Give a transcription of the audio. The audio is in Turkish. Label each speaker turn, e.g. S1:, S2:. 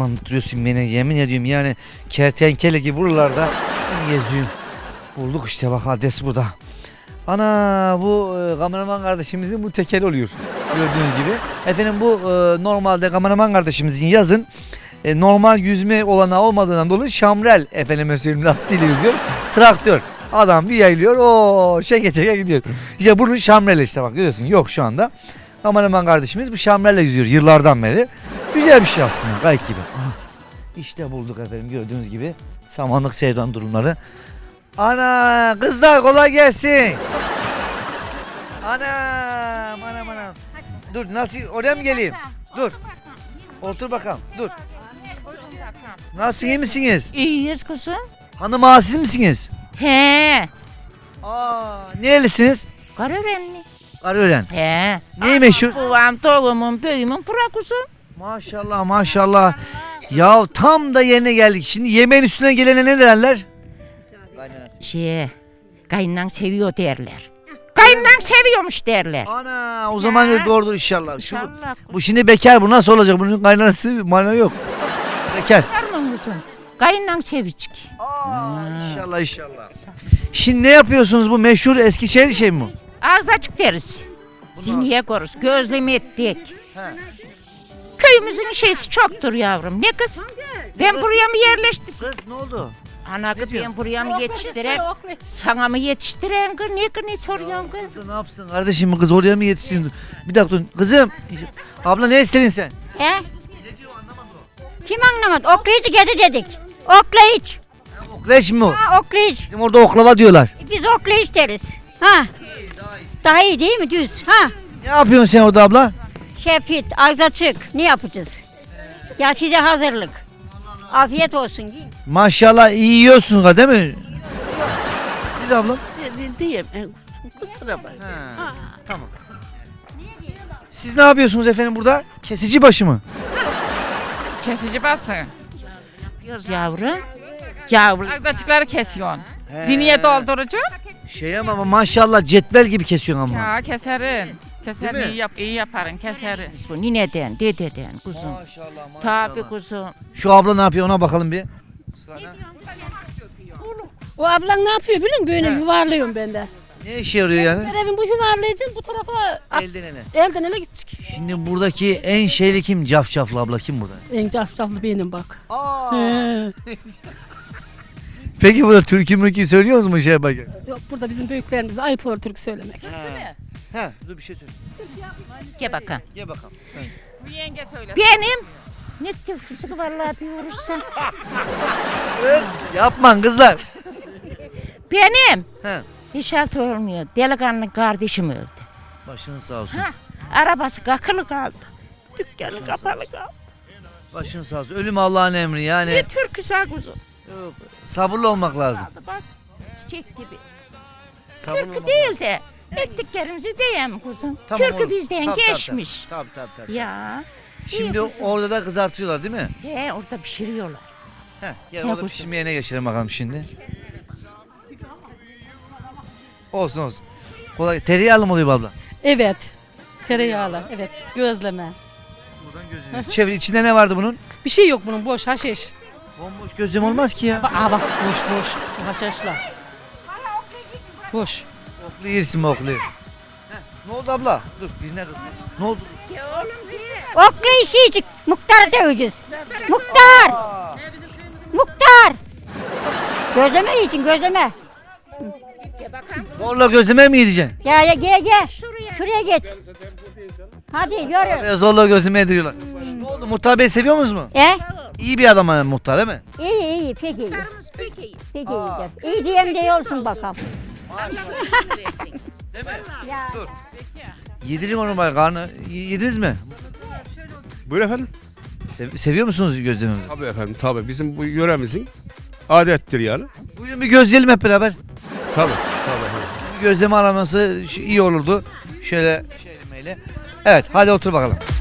S1: Samanlıktırıyorsun beni, yemin ediyorum yani kertenkele gibi buralarda geziyorum. Bulduk işte, bak adres burada. Ana, bu kameraman kardeşimizin bu tekeli oluyor gördüğünüz gibi. Efendim bu normalde kameraman kardeşimizin yazın normal yüzme olanağı olmadığından dolayı şamrel efendime söyleyeyim lastiğiyle yüzüyor. Traktör. Adam bir yayılıyor, o çeke çeke gidiyor. İşte bunun şamreli işte, bak görüyorsun, yok şu anda. Kameraman kardeşimiz bu şamrelle yüzüyor yıllardan beri. Güzel bir şey aslında, gayet gibi. Aha, işte bulduk efendim, gördüğünüz gibi samanlık sevdan durumları. Ana kızlar kolay gelsin. Anam. Dur, nasıl, oraya mı geleyim? Dur. Otur bakalım, dur. Nasılsın, iyi misiniz?
S2: İyiyiz kızım.
S1: Hanım ağa siz misiniz?
S2: He.
S1: Nerelisiniz?
S2: Karörenli.
S1: Arıören.
S2: He.
S1: Neyi meşhur?
S2: Babam, doğumun, büyüğümün bura kuzum.
S1: Maşallah maşallah. Ya tam da yerine geldik. Şimdi yemeğin üstüne gelene ne derler?
S2: Kayınan seviyor derler. Kayınan seviyormuş derler.
S1: Ana, o zaman öyle doğrudur inşallah.
S2: İnşallah.
S1: Bu şimdi bekar, bu nasıl olacak? Bunun kaynanası mana yok. Bekar.
S2: Karman kuzum. Kayınan sevicik.
S1: İnşallah. Şimdi ne yapıyorsunuz, bu meşhur Eskişehir şey mi bu?
S2: Ağız açık deriz. Ziniye koruz. Gözleme ettik.
S1: He.
S2: Köyümüzün şeysi çoktur yavrum. Ne kız? Ben buraya mı yerleştim?
S1: Kız ne oldu?
S2: Ana kız, ben buraya mı yetiştiren? Sana mı yetiştiren kız? Ne soruyorsun kız?
S1: Ne yapsın kardeşim, bu kız oraya mı yetişsin? Bir dakika dur. Kızım. Abla ne istedin sen?
S3: He? Kim anlamadı? Oklayıcı gedi dedik. Oklayıcı.
S1: Okleş mi o?
S3: Ha, oklayıcı.
S1: Bizim orada oklava diyorlar.
S3: Biz oklayıcı deriz. Ha. Daha iyi değil mi? Düz. Ha.
S1: Ne yapıyorsun sen orada abla?
S3: Şefit, ağız açık. Ne yapacağız? Ya size hazırlık. Afiyet olsun. Yiyin.
S1: Maşallah iyi yiyorsun değil mi? Siz abla?
S4: Diyeyim kusura bak.
S1: Tamam. Siz ne yapıyorsunuz efendim burada? Kesici başı mı?
S5: Kesici basın.
S2: Yapıyoruz yavrum. Yavrum.
S5: Agdaçıkları kesiyorsun. Ziniye doldurucu.
S1: Şey ama maşallah cetvel gibi kesiyorsun ama.
S5: Ya keserin.
S1: Değil
S5: Keserin
S1: mi?
S5: iyi yaparın keserin.
S2: Bu nineden, dededen kuzum.
S1: Maşallah.
S2: Tabi kuzum.
S1: Şu abla ne yapıyor, ona bakalım bir.
S4: O ablan ne yapıyor biliyor musun? Böyle yuvarlıyorum ben de.
S1: Ne işe yarıyor yani?
S4: Görevim bu yuvarlayacağım bu tarafa
S1: Elden ele.
S4: elden ele gidecek.
S1: Şimdi buradaki en şeyli kim? Cafcaflı abla kim burada?
S4: En cafcaflı benim bak. He.
S1: Peki burada türkü mürkü söylüyoruz mu şey bakın?
S4: Yok burada bizim büyüklerimiz ayıp olur türkü söylemek.
S1: He, dur bir şey söyle.
S2: Gel bakalım.
S1: Gel bakalım.
S5: Bu yenge söyle.
S2: Benim. Ne türküsü vallahi bir vurursan.
S1: Yapman kızlar.
S2: Benim.
S1: He.
S2: Hiç altı olmuyor. Delikanlı kardeşim öldü.
S1: Başın sağ olsun.
S2: Ha, arabası kakılı kaldı. Dükkanı kapalı kaldı.
S1: Başın sağ olsun. Ölüm Allah'ın emri yani.
S2: Ne türküsü ha kuzum.
S1: Yok, sabırlı olmak lazım.
S2: Bak çiçek gibi.
S1: Sabırlı
S2: Türkü
S1: olmak
S2: değil de ettiklerimizi diyeyim kuzum.
S1: Tamam,
S2: Türkü
S1: olur.
S2: bizden
S1: Tabii,
S2: geçmiş.
S1: Tabii.
S2: Ya.
S1: Şimdi orada da kızartıyorlar değil mi?
S2: He orada pişiriyorlar.
S1: Heh, gel
S2: Ne
S1: orada
S2: bu?
S1: pişirmeye geçelim bakalım şimdi. Olsun. Kolay. Tereyağlı mı oluyor bu abla?
S4: Evet. Tereyağlı. Evet. Gözleme.
S1: Buradan gözünü. Çevir, içinde ne vardı bunun?
S4: Bir şey yok bunun boş haşiş.
S1: Bomboş gözlem olmaz ki ya.
S4: Bak boş. Haşhaşla. Boş.
S1: Oklu yersin mi oklu? Ne oldu abla? Dur birine kız. Ne oldu?
S3: Oklayıcı yiyecek. Muhtar döveceğiz. Muhtar. Gözleme yiyeceksin, gözleme.
S1: Zorla gözüme mi yiyeceksin?
S3: Gel. Şuraya git. Hadi yürü.
S1: Şöyle zorla gözüme yediriyorlar. Ne oldu? Muhtar Bey seviyor musunuz mu? İyi bir adam yani muhtar değil mi?
S3: İyi, pek iyi. Pek iyi. İyi diyem de olsun bakalım.
S1: Değil mi?
S3: Ya.
S1: Dur. Yedirin onu bari, karnı. Yediniz mi?
S6: Buyur efendim.
S1: Seviyor musunuz gözlememizi?
S6: Tabii efendim tabii. Bizim bu yöremizin adettir yani.
S1: Buyurun bir gözleyelim hep beraber.
S6: Tabii efendim.
S1: Bir gözleme araması iyi olurdu. Şöyle. Evet hadi otur bakalım.